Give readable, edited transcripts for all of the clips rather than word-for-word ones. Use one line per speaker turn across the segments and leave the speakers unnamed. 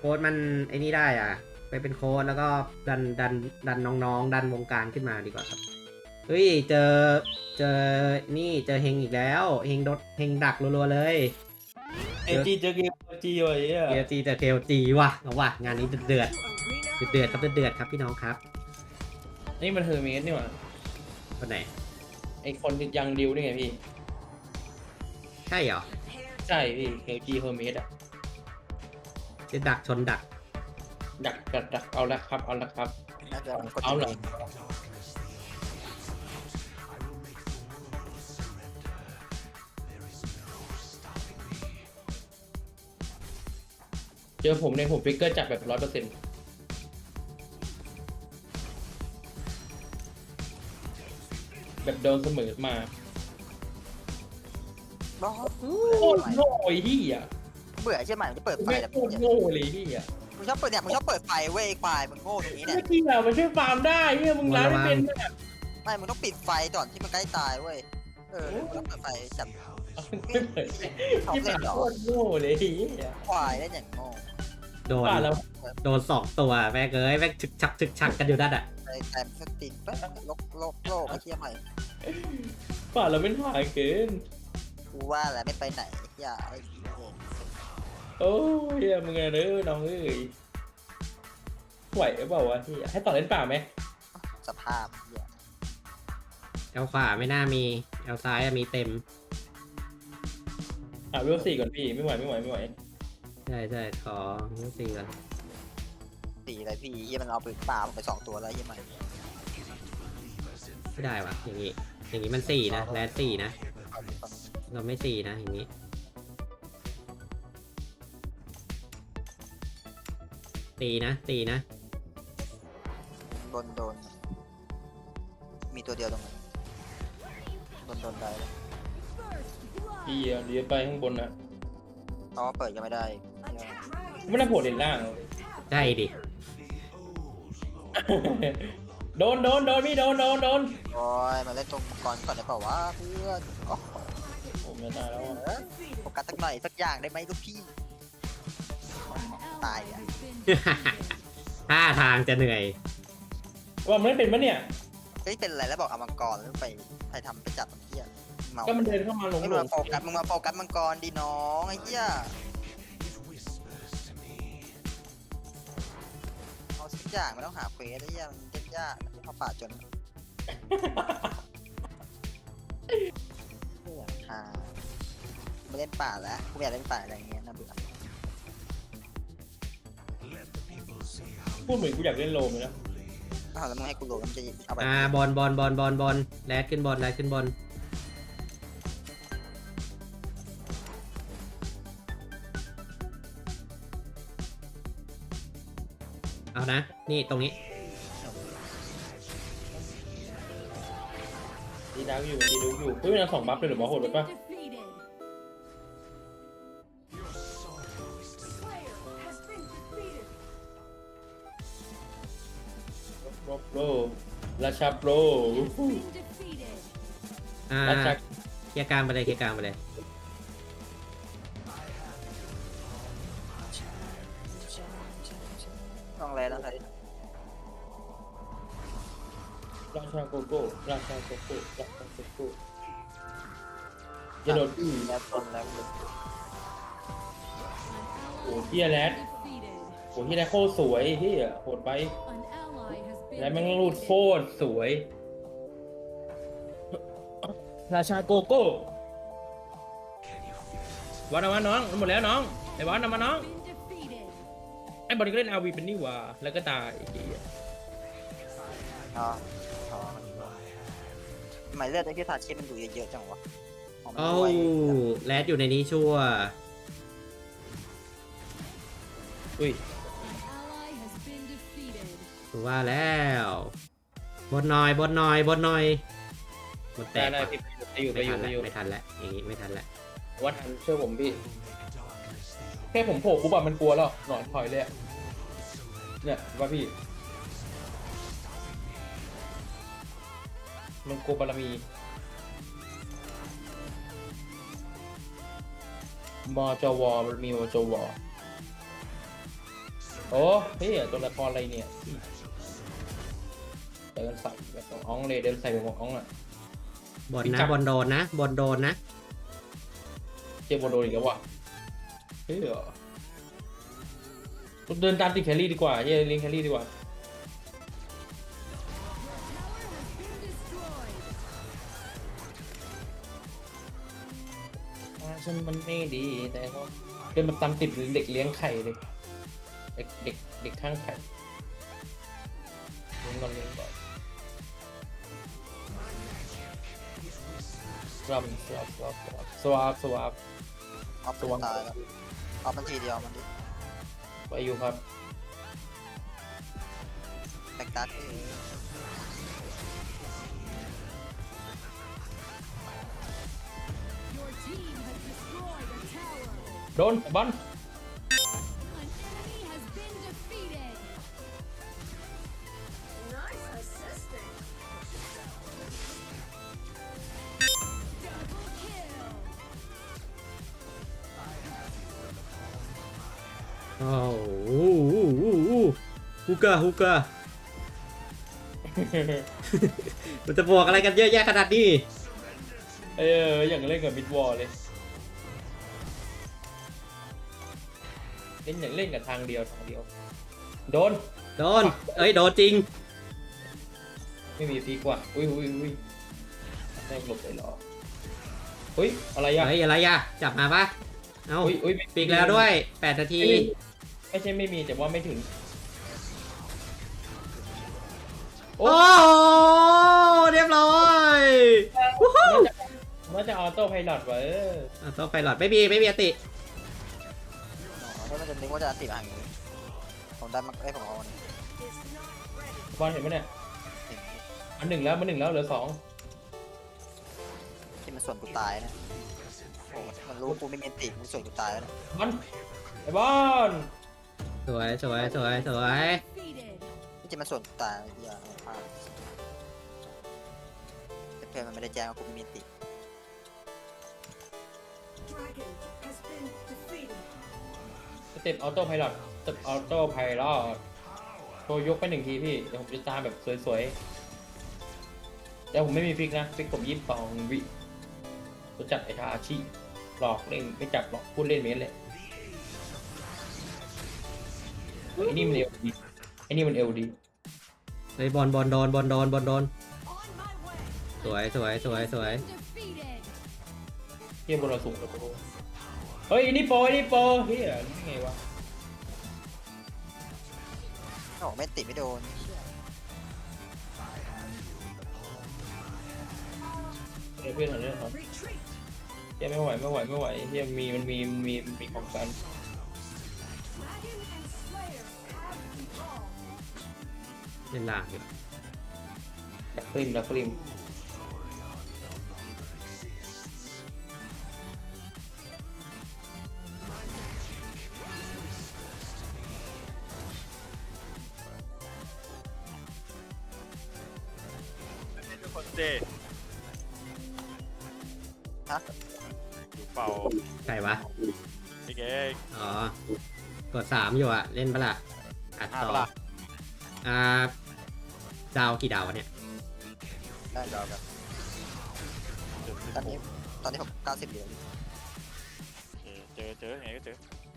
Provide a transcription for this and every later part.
โค้ดมันไอ้นี่ได้อ่ะไปเป็นโค้ดแล้วก็ดันน้องๆดันวงการขึ้นมาดีกว่าครับเฮ้ยเจอนี่เจอเฮงอีกแล้วเฮงดักรัวๆเลย
เอจีเจอเกมจีวะไอ้เหี้ย
เจเจอเคลจีว่ะเอาว่ะงานนี้เดือดครับเดือดครับพี่น้องครับ
นี่มันเฮอร์เมสนี่หว่า
คนไหน
ไอคนที่ยังดิวนี่ไงพี่
ใช่เหรอ
ใช่พี่เฮลจีเฮอร์เมสอะ
จะดักชนดัก
ดักเอาละครับเอาละครับ
น่าจะกด
เอาเหรอ
เอง
เจอผมเนี่ยผมฟิกเกอร์จัดแบบ100%แบบโดนเสมอมา
บ้า
โคตรโง่ไอ้เหี้ย
เบื่อใช่ไหมมันจะเปิดไฟ
ไม่
แบบ
โคตรโง่เลยเหี้ย
มึงชอบเปิดเนี่ยมึงชอบเปิดไฟเว้ยควายมึงโง่ตรงนี้เนี่ย
เมื่อกี้อะมันช่วยฟาร์มได้เหี้ยมึงร้านไม่เป็นอะ
ไม่มึงต้องปิดไฟก่อนที่มันใกล้ตายเว้ยมึงต้องเปิดไฟจับ
ไม่เปิดที่มันโคตรโง่เลยเหี้ย
ควายได้อย่างโง่
โดน
ป่าเรา
สองตัวแม่งเอ้ยแม่งฉึกชักกันอยู่นั่นอ่ะ
ไอ้แต้มสตินปั๊บโลกไอ้เหี้ยใหม่
ป่าเราเป็นหาเกิน
กูว่าแหละไม่ไปไหนอย่าไอ้
โอ้ยเหี้ยมึงไงเด้อน้องเอ้ยไหวหรือเปล่าวะเหี้ยให้ต่อเล่นป่าไหม
สภาพเหี้ย
เอลขวาไม่น่ามีเอลซ้ายอะมีเต็ม
เวล4ก่อนพี่ไม่ไหว
ใช่ขอสี่ก่อน
ตีอะไรพี่เหี้ยมันเอาปืนป่าไป2 ตัวแล้วเหี้ยใหม่
ไม่ได้วะอย่างนี้มันสี่นะแรดสี่นะเราไม่สี่นะอย่างนี้ตีนะ
โดนมีตัวเดียวตรงนั้นโดนได้
พี่เดี๋ยวไปข้างบนนะ
เพราะว่าเปิดยังไม่ได้
ไม่น่าโผล่เลนล่าง
ใช่ดิ
โดนพี่โดน
โอ้ยมาเล่นตรงก่อนได้เปล่าวะเพื่อนโอ้โห
ผมจะตายแล้ว
โฟกัสสักหน่อยสักอย่างได้ไหมลูกพี่ตายอ่ะ
ท่าทางจะเหนื่อย
ว่ามันไม่เป็นปะเนี่ย
เฮ้ยเป็นอะไรแล้วบอกเอามังกรแล้วไปทำไปจับมันเหี้ยเมา
ก็มันเดินเข้ามาลง
ไม่มาโฟกัสมึงมาโฟกัสมังกรดีน้องไอ้เหี้ยเอาสักอย่างไม่ต้องหาเควสไอ้เหี้ยมันยากๆเข้าป่าจนไม่เล่นป่าแล้วกูไม่อยากเล่นป่าอะไรอย่างเงี้ยน่าเบื่อ
พูดเหมือนกูอยากเล่นโลมเลยนะ
แล้วมึงให้กูโหลดมันจะเอาไป
บอลแรดขึ้นบอลเอานะนี่ตรงนี้
ดีดาวอยู่เฮ้ยมันเอา2 บัฟเลยหรือหมอโหดไปปะโปรราชาโปร ราชา
เคลียร์กลางไปเลย
ต้องแล้วอะไร
ราชาโกโก้จะโดน
แล้วต้นแล้ว
โอ้เฮียแรดโอ้เฮียแรดโคตรสวยเฮียโหดไปแล้วแม่งรูดโคตรสวย ราชาโกโก้วันเอามาน้องหมดแล้วน้องไอ้บอลเอามาน้องไอ้บอลก็เล่นอาวีเป็นนี่หว่าแล้วก็ตายไอ้เหี้ย
อ๋อหมายเลือดไอ้ที่ทาเชฟมันดูเยอะๆจังวะ
เอ้าแรดอยู่ในนี้ชัวร์
อุ้ย
ว่าแล้วบนหน่อยหมดแต
ได้
ก
พี่ไปอยู่
ไม่ทันแล้วอย่างนี้ไม่ทันแล้ว
ว่าทันเชื่อผมพี่แค่ผมโผล่ปุ๊บอะมันกลัวแล้วหนอนถอยเลยอะเนี่ยว่าพี่มันกลัวบารมีมจวมันมีมจวโอ้พี่ตัวละครอะไรเนี่ยเดินใส่แบบของอ้องเลยเดินใส่แบบของอ้องอ่ะ
บน
พี่
นะ
จับ
บนโดนนะบนโดนนะ
เจมโบโดนอีกแล้วว่ะเฮ้ยเดินตามติดแคลรี่ดีกว่าเย้ลิงแคลรี่ดีกว่าฉันมันไม่ดีแต่ก็เดินมาตามติดเด็กเลี้ยงไข่เลยเด็กข้างไข่เลี้ยงก่อนสวาบ
ออฟตัวตายแล้วออฟมันทีเดียวมันดิ
ไปอยู่ครับ
แบกดัก
โดนบอล
โอ้โหฮุกามันจะบวกอะไรกันเยอะแยะขนาดนี้
อย่างเล่นกับมิดวอลเลยเล่นกับทางเดียวโดน
โดนเอ้ยโดนจริง
ไม่มีฟีกว่าอุ้ยได้หลบเลยเหรออุ้ยอะไรอ่ะ
เฮ้ยอะไรอะจับมาปะเอ้า
อุ้ย
ปีกแล้วด้วย8 นาที
ไม่ใช่ไม่มีแต่ว่าไม่ถึง
โอ้เรียบร้อยวู้ฮู้
น่าจะออโต้ไพลอตไว้
ต้องไฟหลอดไม่มีอติ
แล้วมันจะนึกว่าจะติดอ่างอยู่ผมได้มาผมเอาเนี่ย
บอลเห็นไหมเนี่ยมันหนึ่งแล้วเหลือ2
ที่มันส่วนกูตายนะโอ้มันรู้กูไม่มีติมันส่วนกูตายแล้ว
บอลไอ้บอล
สวย
ที่จริงมันส่วนกูตายไอ้เหี้ยพลาดแต่เพื่อนมันไม่ได้แจ้งว่ากูไม่มีติ
สเต็ปออโต้ไพลอตโชว์ยกไป1 ทีพี่เดี๋ยวผมจะตามแบบสวยๆแต่ผมไม่มีฟิกนะฟิกผม22 วิรู้จักไอ้ทาอาชิหลอกเล่นไม่จับหรอกพูดเล่นเมนเลยไอ้นี่มันเอลดี
เฮ้ยบอลโดนสวย
เฮียบนเราสูงแล้วโปเฮ้ยนี่โปเฮียนี่ไงวะ
โอ้ไม่ติดไม่โดน
เดี๋ยวเพื่อนหน่อยครับเฮียไม่ไหวเฮียมันมีของกัน
เล่นล่างอยู่
ดักคลิม
ทุกคนเจ
ฮะ
ดูเป่า
ใครวะ
นี่ไง
อ๋อกด3อยู่อะเล่นปะล่ะอัดต่อ
ปะล่ะ
ดาวกี่ดาววะเนี่ย
ได้ยาวกันตอนนี้ผม90 เหรียญ
เจอยังไงก็เจอ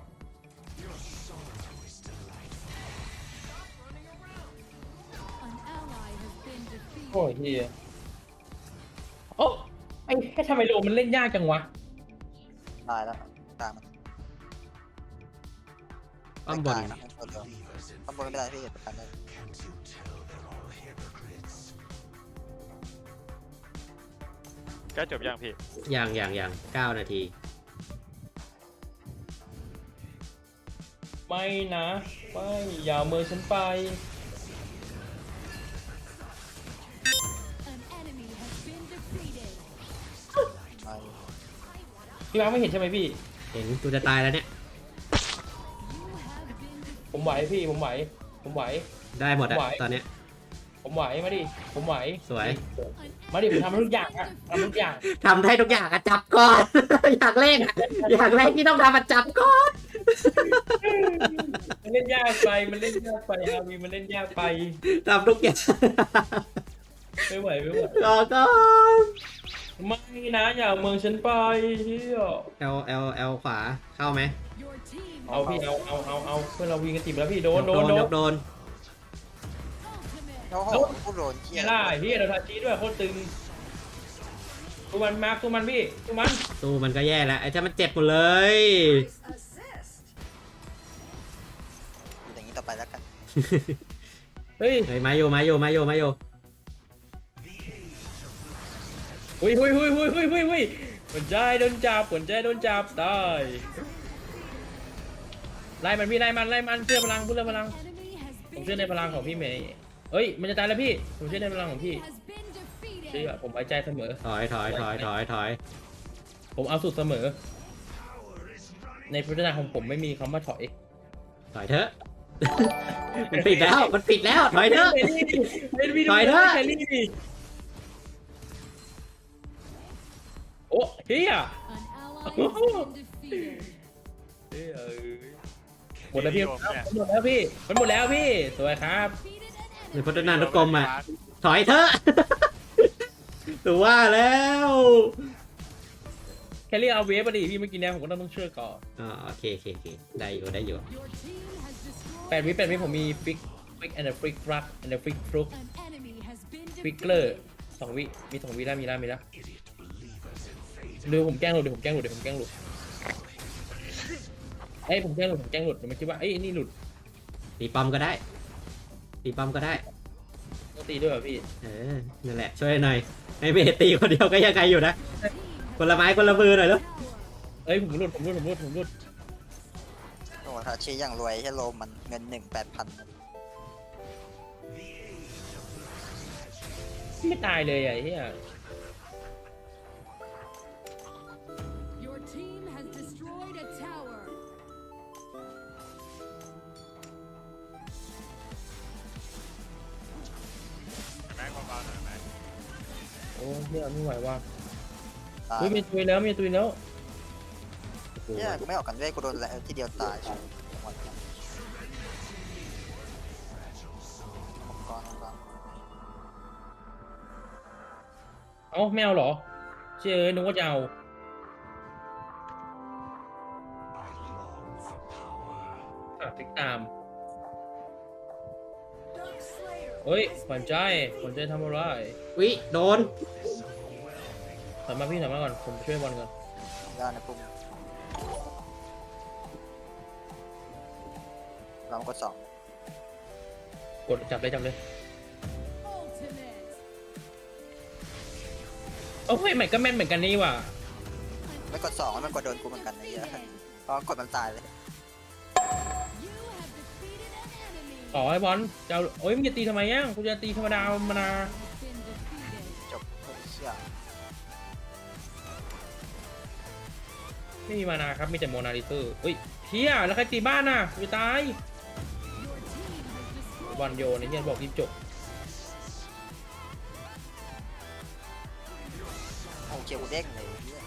โอ้ยเฮียโอ้ไอ้ทำไมโลมันเล่นยากจังวะ
ตายแล้วตามมัน
ป้อมบน
ตายนะป้อมบนไม่เป็นไรพี่ประกันได้
ใกล้จบยังพี่
อย่าง9 นาที
ไม่นะไม่อย่าเอามือฉันไป
ไม่
พี่มาร์คไม่เห็นใช่ไหมพี่
เห็นกูจะตายแล้วเนี่ย
ผมไหวพี่ผมไหว
ได้หมดอะ
ไหว
ตอนเนี้ย
ผมไหวมาดิผมไหว
สวย
มาดิผมทำทุกอย่างอะทำทุกอย่าง
ทำได้ทุกอย่างอะจับก่อน อย่างแรกที่ต้องทำอะจับก่อน
เล่นนยากไปมันเล่นยากไปอาวีมันเล่นยากไป
ทำทุกอย่าง
ไม่ไหวไม่ไหว
รอก่อน
ไม่นะอย่าเอาเมืองฉันไปเฮีย
L ขวาเข้าไหม
เอาพี่เอาเพื่อนเราวิ่งกันติดแล้วพี่โดน
ยกโดน
โอ้โหกูโดนเที่
เฮี
ย
ยล่าเฮียเราทาชี้ด้วยโคตรตึงตัวมันมาร์คตัวมันพี่ตัวมัน
สู้มันก็แย่แล้วไอ้ถ้ามันเจ็บหมดเลย
อยู่อย่างนี้ต่อไปแล้วกัน
เฮ้ย
เฮ้ยมาอยู่
หุยหัวใจโดนจับตายไล่มันพี่ไล่มันเชื่อพลังผมเชื่อในพลังของพี่เมย์เฮ้ยมันจะตายแล้วพี่ผมเชื่อในพลังของพี่เชื่อผมไว้ใจเสมอ
ถอย
ผมเอาสุดเสมอ ในพฤติกรรมของผมไม่มีคำว่าถอย
ถอยเถอะ มันปิดแล้วถอยเถอะ ถอยเถอะ
โอ้เฮีย หมดแล้วพี่มันหมดแล้วพี่สวยครับ
ในพัฒนานุกรมอ่ะถอยเถอะ ถือว่าแล้ว
แค่เรียกเอาเวฟมาดิพี่เมื่อกี้เนี่ยผมก็ต้องเชื่อก่อน
อ๋อโอเคได้อยู่
8 วิผมมีฟิกแอนด์ฟิกรักแอนด์ฟิกฟลุกฟิกเกอร์2 วิมี2 วิแล้วมีแล้วเดี๋ยวผมแกล้งหลุดเอ้ยผมแกล้งหลุดเดี๋ยวมันคิดว่าเอ้ยนี่หลุด
ตีป้อมก็ได้
ต้องตีด้วยเหรอพี่
นั่นแหละช่วยหน่อยให้เบสตีคนเดียวก็ยังไงอยู่นะคนละไม้คนละมือหน่อยลูก
เอ้ยผมหลุด
โอ้โหถ้าชี้อย่างรวยใช่โลมันเงิน8,000
ไม่ตายเลยไอ้เหี้ย
แม็กเบาๆหน่อยแม็ก
โอ้เหี้ยไม่ไหวว่ะ
ตาย
เฮ้ยมีตุยแล้ว
เนี่ยกูไม่ออกกันด้วยกูโดนแล้วทีเดียวตายหมดแล้วก่อน
เอ้าไม่เอาเหรอเชื่อนึกว่าจะเอาติ๊กตามเฮ้ยขวัญใจทำอะไร
วิโดน
ถอยมาพี่ถอยมาก่อนผมช่วยบอลก่อน
ด้านในปุ่มเราก็2
กดจับเลยโอ้ยใหม่ก็แม่นเหมือนกันนี่ว่ะ
ไม่กด2มันกดโดนกูเหมือนกันไอ้เหี้ยเพราะกดมันตายเลย
ต่อไอ้บอลจะเอาโอ้ยมึงจะตีทำไมย่างกูจะตีธรรมดามานา
จบเชี่ย
ไม่มีมานาครับมีแต่โมนาลิเตอร์เฮ้ยเฮียแล้วใครตีบ้านน่ะกูจะตายบอลโยนไอ้เฮียบอกรีบจบ
โอ้เกียวกูเด้งเลยไอ้เหี้ย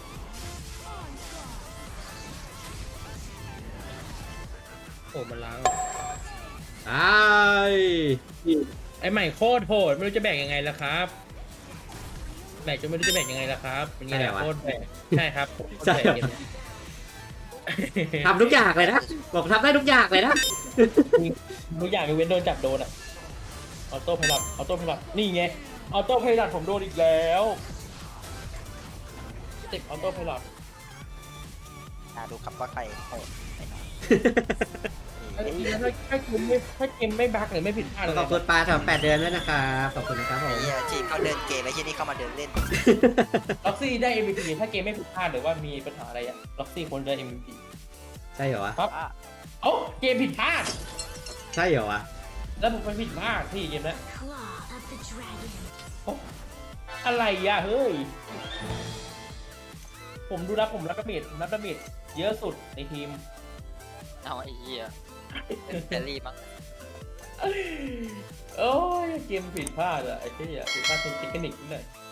โอ้มันล้าง
ตาย
ไอ้ใหม่โคตรโหดไม่รู้จะแบ่งยังไงล่ะครับแบ่งจนไม่รู้จะแบ่งยังไงล่ะครับเป็นไงล่ะโคตรแบ่งใช่ครับโคตรแบ่งเกมนี้
ทำทุกอย่างเลยนะบอกทำได้ทุกอย่างเลยนะ
ทุกอย่างยกเว้นโดนจับโดนอะออโต้ไพลัดนี่ไงออโต้ไพลัดผมโดนอีกแล้วติดออโต้ไพลัด
ดูครับว่าใครโหด
ถ้าเกมไม่บั๊กหรือไม่ผิดพลาดอะไร
ขอบคุณปลาสำหรับ8 เดือนด้วยนะครับขอบคุณนะครับผม
ไอ้เหี้ยทีมเขาเดินเกมไอ้ที่นี่เข้ามาเดินเล่น
ล็อกซี่ได้ MVP ถ้าเกมไม่ผิดพลาดหรือว่ามีปัญหาอะไรอะล็อกซี่ควรได้ MVP
ใช่เหรอวะ
ครับเอ้าเกมผิดพลาด
ใช่เหรอวะ
แล้วผมไปผิดพลาดที่เกมนั้นโอ๊ะอะไรอะเฮ้ยผมดูแล้วผมรับดาเมจเยอะสุดในทีม
เอาไอ้เหี้ยแครี่มั้ง
โอ้ยเกมผิดพลาดอะไอ้ที่ผิดพลาดเทคนิคนิดหน่อย